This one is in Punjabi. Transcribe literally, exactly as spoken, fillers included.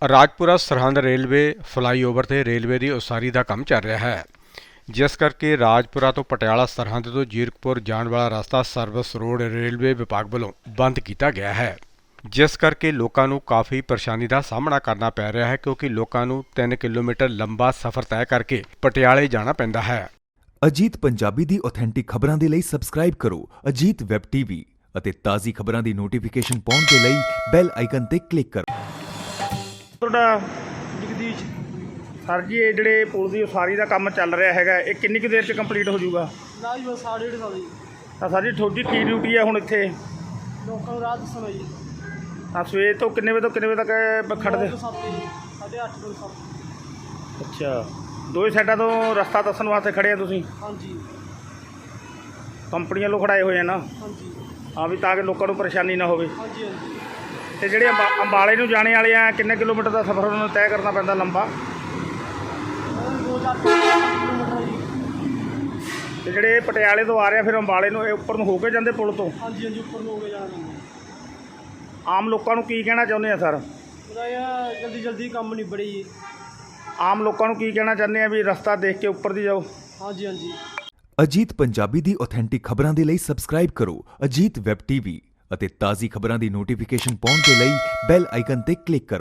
ਰਾਜਪੁਰਾ ਸਰਹੰਦ ਰੇਲਵੇ ਫਲਾਈਓਵਰ ਤੇ ਰੇਲਵੇ ਦੀ ਉਸਾਰੀ ਦਾ ਕੰਮ ਚੱਲ ਰਿਹਾ ਹੈ, ਜਿਸ ਕਰਕੇ ਰਾਜਪੁਰਾ ਤੋਂ ਪਟਿਆਲਾ ਸਰਹੰਦ ਤੋਂ ਜੀਰਕਪੁਰ ਜਾਣ ਵਾਲਾ ਰਸਤਾ ਸਰਵਿਸ ਰੋਡ ਰੇਲਵੇ ਵਿਭਾਗ ਵੱਲੋਂ ਬੰਦ ਕੀਤਾ ਗਿਆ ਹੈ, ਜਿਸ ਕਰਕੇ ਲੋਕਾਂ ਨੂੰ ਕਾਫੀ ਪਰੇਸ਼ਾਨੀ ਦਾ ਸਾਹਮਣਾ ਕਰਨਾ ਪੈ ਰਿਹਾ ਹੈ ਕਿਉਂਕਿ ਲੋਕਾਂ ਨੂੰ ਤਿੰਨ ਕਿਲੋਮੀਟਰ ਲੰਬਾ ਸਫ਼ਰ ਤੈਅ ਕਰਕੇ ਪਟਿਆਲੇ ਜਾਣਾ ਪੈਂਦਾ ਹੈ। ਅਜੀਤ ਪੰਜਾਬੀ ਦੀ ਆਥੈਂਟਿਕ ਖਬਰਾਂ ਦੇ ਲਈ ਸਬਸਕ੍ਰਾਈਬ ਕਰੋ ਅਜੀਤ ਵੈਬ ਟੀਵੀ ਅਤੇ ਤਾਜ਼ੀ ਖਬਰਾਂ ਦੀ ਨੋਟੀਫਿਕੇਸ਼ਨ ਪਾਉਣ ਦੇ ਲਈ ਬੈਲ ਆਈਕਨ ਤੇ ਕਲਿੱਕ ਕਰੋ। ਤੁਹਾਡਾ ਜਗਦੀਸ਼ ਸਰ ਜੀ, ਇਹ ਜਿਹੜੇ ਪੁਲ ਦੀ ਉਸਾਰੀ ਦਾ ਕੰਮ ਚੱਲ ਰਿਹਾ ਹੈਗਾ, ਇਹ ਕਿੰਨੀ ਕੁ ਦੇਰ 'ਚ ਕੰਪਲੀਟ ਹੋ ਜਾਊਗਾ? ਨਾ ਜੀ ਬਸ ਸਾਢੇ ਡੇਢ ਸਾਲ ਜੀ। ਤਾਂ ਸਰ ਜੀ ਤੁਹਾਡੀ ਕੀ ਡਿਊਟੀ ਹੈ ਹੁਣ ਇੱਥੇ? ਲੋਕਾਂ ਨੂੰ ਰਾਹ ਦੱਸਣਾ ਜੀ। ਤਾਂ ਸਵੇਰ ਤੋਂ ਕਿੰਨੇ ਵਜੇ ਤੋਂ ਕਿੰਨੇ ਵਜੇ ਤੱਕ ਖੜ੍ਹਦੇ? ਸਾਢੇ ਅੱਠ ਤੋਂ ਸੱਤ। ਅੱਛਾ, ਦੋਵੇਂ ਸਾਈਡਾਂ ਤੋਂ ਰਸਤਾ ਦੱਸਣ ਵਾਸਤੇ ਖੜ੍ਹੇ ਆ ਤੁਸੀਂ? ਹਾਂਜੀ ਕੰਪਨੀਆਂ ਵੱਲੋਂ ਖੜਾਏ ਹੋਏ ਆ ਨਾ? ਹਾਂਜੀ ਹਾਂ, ਵੀ ਤਾਂ ਕਿ ਲੋਕਾਂ ਨੂੰ ਪਰੇਸ਼ਾਨੀ ਨਾ ਹੋਵੇ। ਹਾਂਜੀ ਹਾਂਜੀ ਤੇ ਜਿਹੜੇ ਅੰਬਾ ਅੰਬਾਲੇ ਨੂੰ ਜਾਣੇ ਵਾਲੇ ਆ, ਕਿੰਨੇ ਕਿਲੋਮੀਟਰ ਦਾ ਸਫ਼ਰ ਉਹਨਾਂ ਨੂੰ ਤੈਅ ਕਰਨਾ ਪੈਂਦਾ ਲੰਬਾ? ਦੋ ਚਾਰ ਕਿਲੋਮੀਟਰ ਹੈ ਜੀ। ਤੇ ਜਿਹੜੇ ਪਟਿਆਲੇ ਤੋਂ ਆ ਰਹੇ ਆ ਫਿਰ ਅੰਬਾਲੇ ਨੂੰ, ਇਹ ਉੱਪਰ ਨੂੰ ਹੋ ਕੇ ਜਾਂਦੇ ਪੁਲ ਤੋਂ? ਹਾਂਜੀ ਹਾਂਜੀ ਉੱਪਰ ਨੂੰ ਹੋ ਕੇ ਜਾਣਾ ਪੈਂਦਾ। ਆਮ ਲੋਕਾਂ ਨੂੰ ਕੀ ਕਹਿਣਾ ਚਾਹੁੰਦੇ ਆ ਸਰ? ਉਹਦਾ ਇਹ ਜਲਦੀ ਜਲਦੀ ਕੰਮ ਨਿਬੜੇ ਜੀ। ਆਮ ਲੋਕਾਂ ਨੂੰ ਕੀ ਕਹਿਣਾ ਚਾਹੁੰਦੇ ਆ ਵੀ ਰਸਤਾ ਦੇਖ ਕੇ ਉੱਪਰ ਦੀ ਜਾਓ? ਹਾਂਜੀ ਹਾਂਜੀ ਅਜੀਤ ਪੰਜਾਬੀ ਦੀ ਆਥੈਂਟਿਕ ਖਬਰਾਂ ਦੇ ਲਈ ਸਬਸਕ੍ਰਾਈਬ ਕਰੋ ਅਜੀਤ ਵੈਬ ਟੀਵੀ ਅਤੇ ਤਾਜ਼ੀ ਖਬਰਾਂ ਦੀ ਨੋਟੀਫਿਕੇਸ਼ਨ ਪਾਉਣ ਦੇ ਲਈ ਬੈਲ ਆਈਕਨ ਤੇ ਕਲਿੱਕ ਕਰੋ।